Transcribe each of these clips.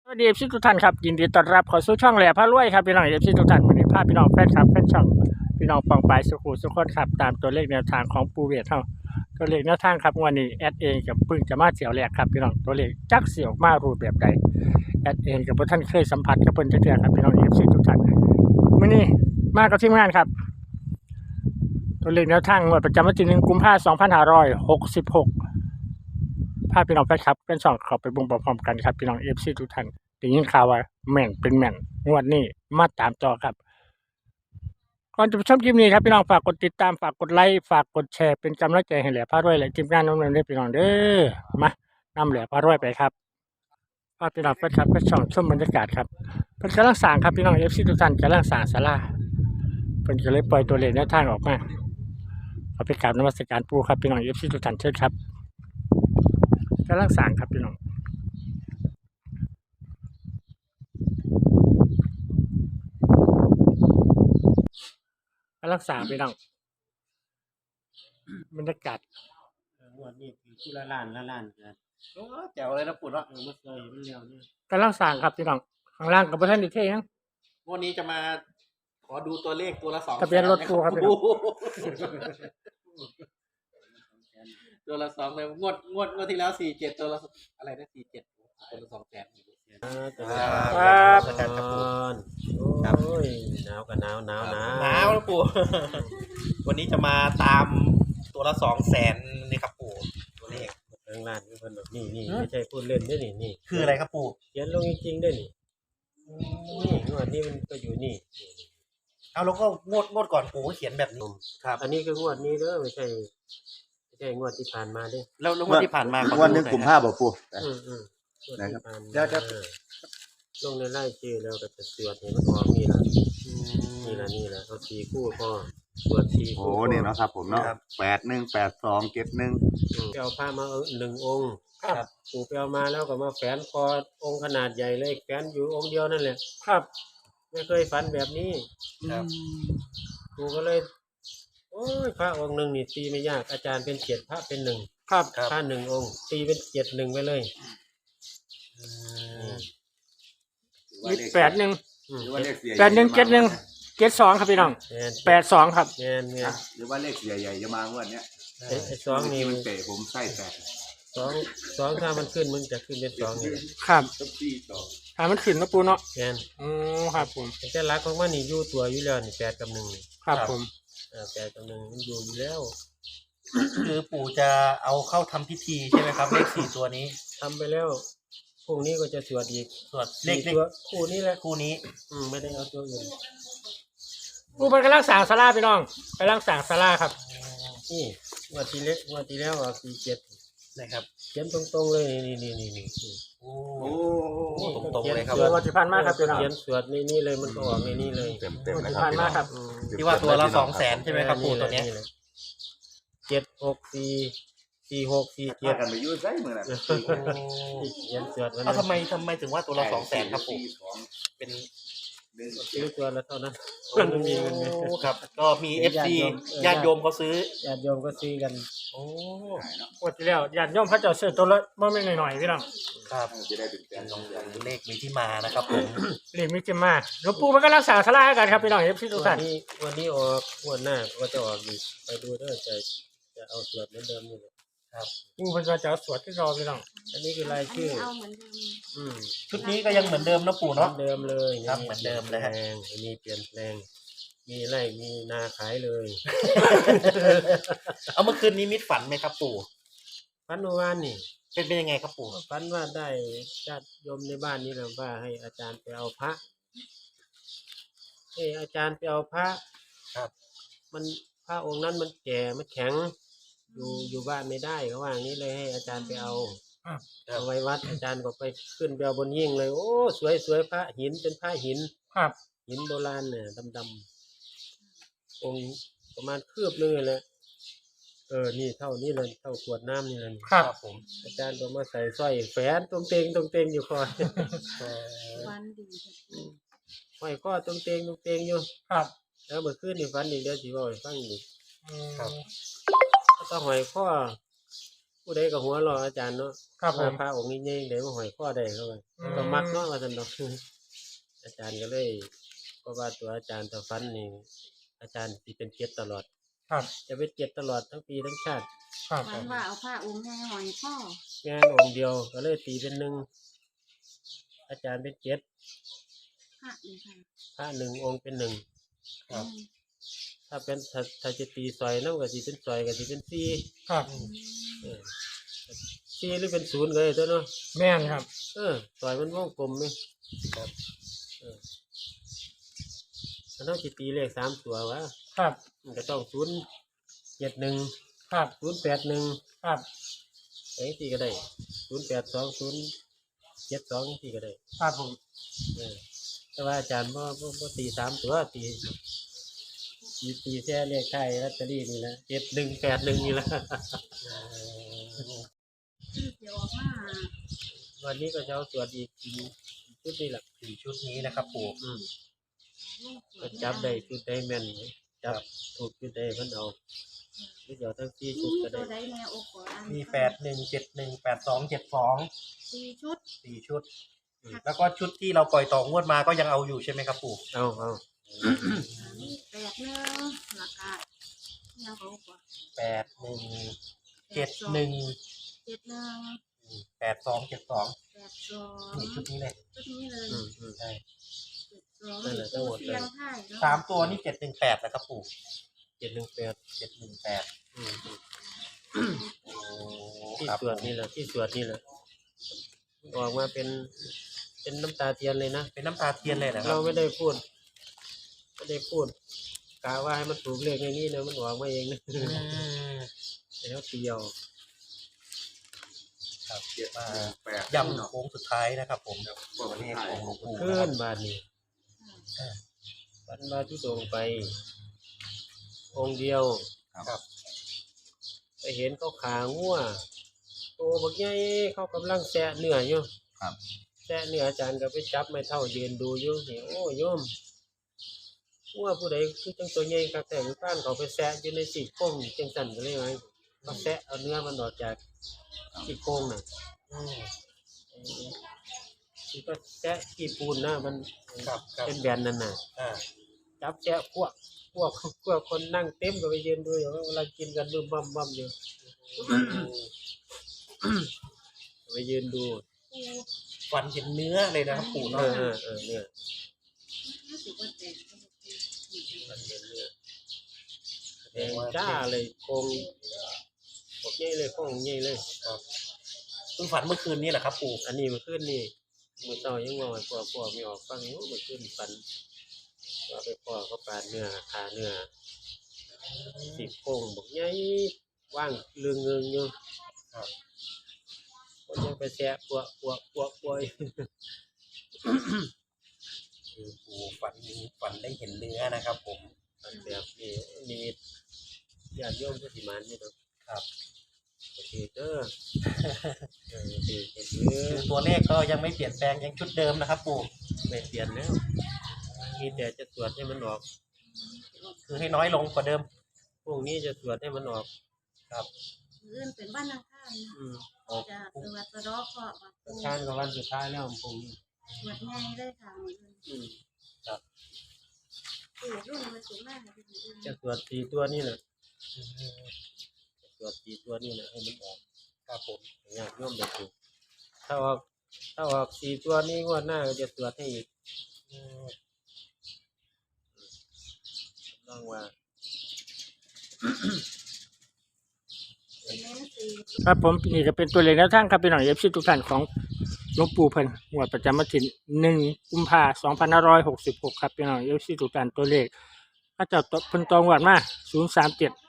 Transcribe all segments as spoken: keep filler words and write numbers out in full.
สวัสดีเอฟซีทุกท่านครับยินดีต้อนรับเข้าสู่ช่องแหล่พระรวยครับพี่น้องเอฟซีทุกท่านวันนี้พาพี่น้องแฟนคลับแฟนช่องพี่น้องปองปายสุขุสุขคนครับตามตัวเลขแนวทางของปูเวทเฮาตัวเลขแนวทางครับวันนี้แอดเองกับพึ่งจะมาเสี่ยวแรกครับพี่น้องตัวเลขจักเสี่ยวมารูปแบบใดแอดเองกับท่านเคยสัมผัสกับเพิ่นจักเทื่อครับพี่น้องเอฟซีทุกท่านมื้อนี้มากับทีมงานครับตัวเลขแนวทางงวดประจำวันที่หนึ่งกุมภาพันธ์สองพันห้าร้อยหกสิบหกพาพี่น้องแฟนคลับเป็นช่องเข้าไปเบิ่งพร้อมๆกันครับพี่น้อง เอฟ ซี ทุกท่านได้ยินข่าวว่าแม่นเป็นแม่นงวดนี้มาตามต่อครับก่อนจะชมคลิปนี้ครับพี่น้องฝากกดติดตามฝากกดไลค์ฝากกดแชร์เป็นกำลังใจให้แหล่พารวยและทีมงานน้องๆได้พี่น้องเด้อมานำแหล่พารวยไปครับพาพี่น้องแฟนคลับไปช่องชมบรรยากาศครับเพิ่นกำลังสร้างครับพี่น้อง เอฟ ซี ทุกท่านกำลังสร้างศาลาเพิ่นก็เลยปล่อยตัวเลขแนวทางออกมาเอาไปกราบนมัสการปู่ครับพี่น้อง เอฟ ซี ทุกท่านเชิญครับกำลังสร้างครับพี่น้องกำลังสร้างพี่น้องบรรยากาศงวดนี้คือผู้ละล้านละล้านกันโอ้แจ๋วเลยนะปู่เนาะเออมันเคยมันเร็วนี่กำลังสร้างครับพี่น้องข้างล่างกับประธานดิเทยังงวดนี้จะมาขอดูตัวเลขตัวละสองทะเบียนรถปู่ครับพี่น้องตัวละสองเลยงวดงวดงวดที่แล้วสี่เจ็ดตัวละอะไรนะสี่เจ็ดตัวละสองแสนครับสกัดครับปู่ครับโอ้ยหนาวกับหนาวหนาวหนาวหนาวนะปู่ วันนี้จะมาตามตัวละสองแสนนี่ครับปู่ตัวเลขทางร้านนี่เพิ่นบอกนี่นี่ไม่ใช่พูดเล่นด้วยนี่นี่คืออะไรครับปู่เขียนลงจริงๆด้วยนี่นี่งวดนี้มันก็อยู่นี่เอาแล้วก็งวดงวดก่อนปู่ก็เขียนแบบนี้ครับอันนี้คืองวดนี้เด้อไม่ใช่ไม่ใช่งวดที่ผ่านมาเด้อแล้วแล้วงวดที่ผ่านมาวันหนึ่งกลุ่มห้าบ่ปู่อืมอืมงวดนะครับที่ผ่านมาเดี๋ยวจะลงในไล่ชื่อแล้วก็จะตรวจเห็นมันออกนี่ละนี่ละนี่ละเอาสี่คู่พอตรวจสี่โอ้คู่นี่เนาะครับผมเนาะครับแปดหนึ่งแปดสองเจ็ดหนึ่งอืมไปเอาผ้ามาเอาหนึ่งองค์ครับปู่ไปเอามาแล้วก็มาแฝนคอองค์ขนาดใหญ่เลยแฝนอยู่องค์เดียวนั่นแหละครับไม่เคยฝันแบบนี้ครับครูก็เลย โอ้ยพระองค์หนึ่งนี่ตีไม่ยากอาจารย์เป็นเจ็ดพระเป็นหนึ่งครับพระหนึ่งองค์ ตีเป็นเจ็ดหนึ่งไปเลยมีแปดหนึ่งอืมหรือว่าเลขเสียแปดหนึ่งเจ็ดหนึ่งเจ็ดสองครับพี่น้องแมนแปดสองครับแมนแมนหรือว่าเลขเสียใหญ่จะมางวดเนี้ยไอ้ไอ้สองนี่มันเตะผมไส้แตกสองสองถ้ามันขึ้นมันจะขึ้นเป็นสองนี่ครับทุกที่สองถ้ามันขึ้นนะปูเนาะแมนอืมครับผมแต่รักของมันนี่อยู่ตัวอยู่แล้วนี่แปดกับหนึ่งนี่ครับผมอ่าแปดกับหนึ่งมันอยู่อยู่แล้วคือปู่จะเอาเข้าทำพิธีใช่ไหมครับเลขสี่ตัวนี้ทำไปแล้วพรุ่งนี้ก็จะสวดอีกสวดเลขเลสี่ขตัวคู่นี้แหละคู่นี้อืมไม่ได้เอาตัวอื่นปูเป็นกำลังสร้างศาลาพี่น้องกำลังสร้างศาลาครับนี่งวันที่เล็กงวันที่แล้วอ่ะสี่เจ็ดนะครับเขียนตรงๆเลยนี่นี่นี่นี่โอ้โอ้นี่ตรงๆเลยครับเดี๋ยววันที่ผ่านมาครับพี่น้องเขียนสวดนี่นี่เลยมันก็ออกในนี่เลยเต็มเต็มวันนะที่ครับผ่านพี่มาน้องครับอืมที่ว่าตัวละสองแสนใช่ไหมครับปู่ตัวเนี้ยแหละเจ็ดหกสี่สี่หกสี่เจ็เจ็ดดกันไปยุ่งไส้มือน่ะเขียนสวดมันเอาทำไมทำไมถึงว่าตัวละสองแสนครับปู่เป็นหนึ่งซื้อตัวละเท่านั้นมันมีเงินไหมโอ้ครับ ก็มีเอฟซีญาติโยมเขาซื้อญาติโยมก็ซื้อกันโอ้งวดที่แล้วญาติโยมพระเจ้าซื้อตัวละบ่แม่นหน่อยๆพี่น้องครับจะได้เป็นแสนสองแสนเลขมีที่มานะครับผมเรียกมิจิมาหลวงปู่มันกำลังสร้างศาลาให้กันครับพี่น้องเอฟซีทุกวัท่าน นนี้วันนี้ออกงวันหน้าก็จะออกอีกไปดูเด้อจะจะเอาสวดเหมือนเดิมนี่แหละปูเพิ่นว่าจะเอาสวดที่รอพี่น้องอันนี้คือรายชื่อเอาเหมือนเดิมอืมชุดนี้ก็ยังเหมือนเดิมนะปู่เหมือเนาะนเดิมเลยครับเหมือนเดิมเลยฮะปลี่นแปงอันนี้เปลี่ยนแปลง มีไร่มีนาขายเลยเอาเมื่อคืนนี้มิดฝันไหมครับปู่พันเมื่อวานนี่เป็นเป็นยังไงครับปู่พันว่าได้ญาติโยมในบ้านนี่แหละว่าให้อาจารย์ไปเอาพระให้อาจารย์ไปเอาพระครับมันพระองค์นั้นมันแก่มันแข็ง อยู่อยู่บ้านไม่ได้เขาว่าอย่างนี้เลยให้อาจารย์ไปเอาเอาไว้วัดอาจารย์ก็ไปขึ้นไปเอาบนยิ่งเลย โอ้สวยสวยพระหินเป็นพระหินครับหินโบราณเนี่ยดำๆองค์ประมาณคืบนึงเลยเออนี่เท่านี้เลยเท่าขวดน้ำนี่เลยครับผมอาจารย์ก็มาใส่สร้อยแฝนตรงเตงตรงเตงอยู่คอยวันดีค่ะห้อยข้อตรงเตงตรงเตงอยู่ครับแล้วเมื่อคืนนี่ฝันอีกเดี๋ยวสิบอกให้ฟังอีกอืมก็ต้องห้อยข้อผู้ใดก็หัวเรออาจารย์เนาะครับผมว่าพระองค์นี้ใหญ่ๆได้มาห้อยคอได้เขาว่าอืมก็มักเนาะว่าซั่นดอก อาจารย์ก็เลยเพราะว่าตัวอาจารย์ถ้าฟันนี่อาจารย์สิเป็นเจ็ดตลอดครับจะเป็นเจ็ดตลอดทั้งปีทั้งชาติครับฝันว่าเอาผ้าองค์ให้หอยพ่องานองค์เดียวก็เลยตีเป็นหนึ่งอาจารย์เป็นเจ็ดพระนี่ค่ะพระหนึ่งองค์เป็นหนึ่งครับอืมถ้าเป็นถ้าถ้าจะตีซอยน้ำก็สิเป็นซอยก็สิเป็นสี่ครับเออสี่หรือเป็นศูนย์ก็ได้ตัวเนาะแม่นครับเออซอยมันวงกลมไหมครับเออมันต้องสิตีเลขสามตัววะครับมันก็ต้องศูนย์เจ็ดหนึ่งครับศูนย์แปดหนึ่งครับไอ้ที่ก็ได้ศูนย์แปดสองศูนย์เจ็ดสองที่ก็ได้ครับผมเออแต่ว่าอาจารย์บ่บ่บ่ตีสามตัวตีตีตีแค่เลขไทายลอตเตอรี่นี่แหละเจ็ดหนึ่งแปดหนึ่งนี่แหละที่เดี๋ยวออกมาวันนี้ก็จะเอาตรวจอีกทีชุดนี้แหละสี่ชุดนี้นะครับปู่อืมก็จับได้ชุดได้แม่นจับถูกชุดได้เพิ่นเอาหรือเดี๋ยวทั้งสี่ชุดมีก็ตัได้วใดแนวอกขออันมีแปดหนึ่งเจ็ดหนึ่งแปดสองเจ็ดสองสี่ชุดสี่ชุด แล้วก็ชุดที่เราปล่อยต่องวดมาก็ยังเอาอยู่ใช่ไหมครับปู่เอาเอามีแปดหนึ่งราคายังเขาบอกว่าแปดหนึ่งเจ็ดหนึ่งเจ็ดหนึ่งแปดสองเจ็ดสองแปดสองนี่ชุดนี้เลยชุดนี้เลยอืมอืมใช่เจ็ดสองนั่นแหละทั้งหมดเลยเสียงไทยเนะสามตัวนี่เจ็ดหนึ่งแปดนะครับปู่เจ็ดหนึ่งแปดเจ็ดหนึ่งแปดอืมอืมโอ้ที่ครับสวดนี่แหละที่สวดนี่แหละออกมาเป็นเป็นน้ำตาเทียนเลยนะเป็นน้ำตาเทียนเลยนะครัเราบไม่ได้พูดไม่ได้พูดกะว่าให้มันถูกเลขในนี้นะมันออกมาเองนะอืมแล้วเตียวครับเจ็ดมาแปดย้ำโค้งสุดท้ายนะครับผมว่าวันเลนี้ขไทยของหลวงปู่ขึ้นะครันบบาทนี้บันบาทุดงไป องค์เดียวครับไปเห็นเขาขางัวโตบักใหญ่เขากำลังแซะเนื้ออยู่ครับแซะเนื้ออาจารย์ก็ไปจับไม่เท่ายืนดูอยู่นี่โอ้โยมงัวผู้ใดคือจังตัวใหญ่กัแต่หรือป้านเขาไปแซะอยู่ในสี่โค้งจังสันก็เลยไงเขาแซะเอาเนื้อมันออกจากสี่โค้งน่ะอืมที่ก็แซะกี่ปูนนะมันครับครับเป็นแบนนั่นน่ะอ่าจับแซะพวกพวกพวกคนนั่งเต็มก็ไปยืนดูอยู่เวลากินกันบึ้มบั่มบั่มอยู่ไปยืนดูฟันเห็นเนื้อเลยนะครับปู่เอเนาะอเออเออเนี่ยรู้สึกว่าแตกมันเป็นเนี่ยแดงจ้าเลยโคงบอกใหญ่เลยโคงใหญ่เลยเพิ่งฝันเมื่อคืนนี้แหละครับปู่อันนี้มันขึ้นนี่มือเช้ายังงอยพวกพวกไม่ออกฟังอยู่มันขึ้นฟันว่าไปพ่อเขาปาดเนื้อขาเนื้อสิโค้งบอกใหญ่ว่างเรืองเงิงอยู่คนยังไปแซะปวกปวกปวกปวกคือปู่ฝันฝันได้เห็นเนื้อนะครับ ผมอันแบบนี้มีญาติโยมผู้สิมานนี่เนาะครับโอเคเด้อเออโอเคโอเคคือตัวเลขก็ยังไม่เปลี่ยนแปลงยังชุดเดิมนะครับ ปู่ไม่เปลี่ยนแล้วมีแต่จะตรวจให้มันออกคือให้น้อยลงกว่าเดิมพวกนี้จะตรวจให้มันออกครับเลื่อนเป็นบ้านนางข้ามอืมจะตรวจตรอเคาะว่าประการกับวันสุดท้ายแล้วพวกนี้ตรวจง่ายได้ค่ะมืออืมตรวจรุ่นมันสูงมากเลยจะตรวจสี่ตัวนี่แหละจะตรวจสี่ตัวนี่แหละให้มันออกครับผมญาติโยมแบบนี้ถ้าออกถ้าออกสี่ตัวนี้งวดหน้าก็จะตรวจให้อีกอืมลองว่าเน้นสี่ครับผมนี่ก็เป็นตัวเลขแนวทางครับพี่น้องเอฟซีทุกท่านของหลวงปู่เพิ่นงวดประจำวันที่หนึ่งกุมภาพันธ์สองพันห้าร้อยหกสิบหกครับพี่น้องเอฟซีทุกท่านตัวเลขก็จะตเพิ่นตองวดมาศูนย์สามเจ็ด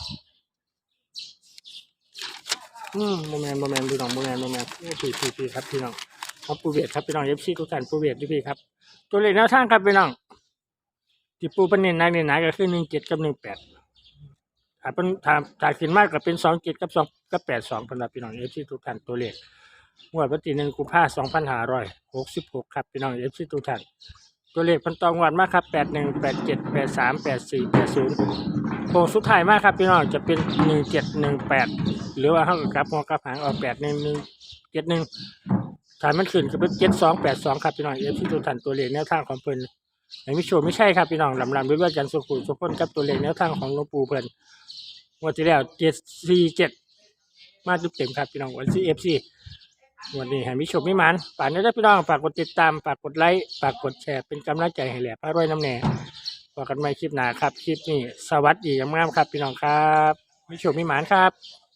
อืมโมเมนต์โมเมนต์พี่น้องโมเมนต์โมเมนต์พี่พี่พี่ครับพี่น้องของปูเวทครับพี่น้องเอฟซีทุกท่านปูเวทด้วยพี่ครับตัวเลขแนวทางครับพี่น้องที่ปูเป็นเน้นหนักเน้นหนาก็คือหนึ่งเจ็ดกับหนึ่งแปดถ้าเป็นถ้าถ้าขึ้นมากก็เป็นสองเจ็ดกับสองกับแปดสองสำหรับพี่น้องเอฟซีทุกท่านตัวเลขงวดวันที่หนึ่งกุมภาพันธ์สองพันห้าร้อยหกสิบหกครับพี่น้องเอฟซีทุกท่านตัวเลขพันตองวันมากครับแปดหนึ่งแปดเจ็ดแปดสามแปดสี่แปดศูนย์โค้งสุดท้ายมากครับพี่น้องจะเป็นหนึ่งเจ็ดหนึ่งแปดหรือว่าห้ากลับหัวกลับหางออกแปดหนึ่งหนึ่งเจ็ดหนึ่งฐานมันขึ้นก็เป็นเจ็ดสองแปดสองครับพี่น้องเอฟซีทุกท่านตัวเลขแนวทางของเพิ่นไม่มีโชว์ไม่ใช่ครับพี่น้องลำลำด้วยกันสุขุมสุขคนกับตัวเลขแนวทางของหลวงปู่เพิ่นงวดที่แล้วเจ็ดสี่เจ็ดมาจุดเต็มครับพี่น้องวันซีเอฟซีวันนี้ให้มีโชคมีหมันฝากนี้ด้วยพี่น้องฝากกดติดตามฝากกดไลค์ฝากกดแชร์เป็นกำลังใจให้แหล่พระรวยน้ำแหน่พบกันใหม่คลิปหน้าครับคลิปนี้สวัสดีงามๆครับพี่น้องครับมีโชคมีหมันครับ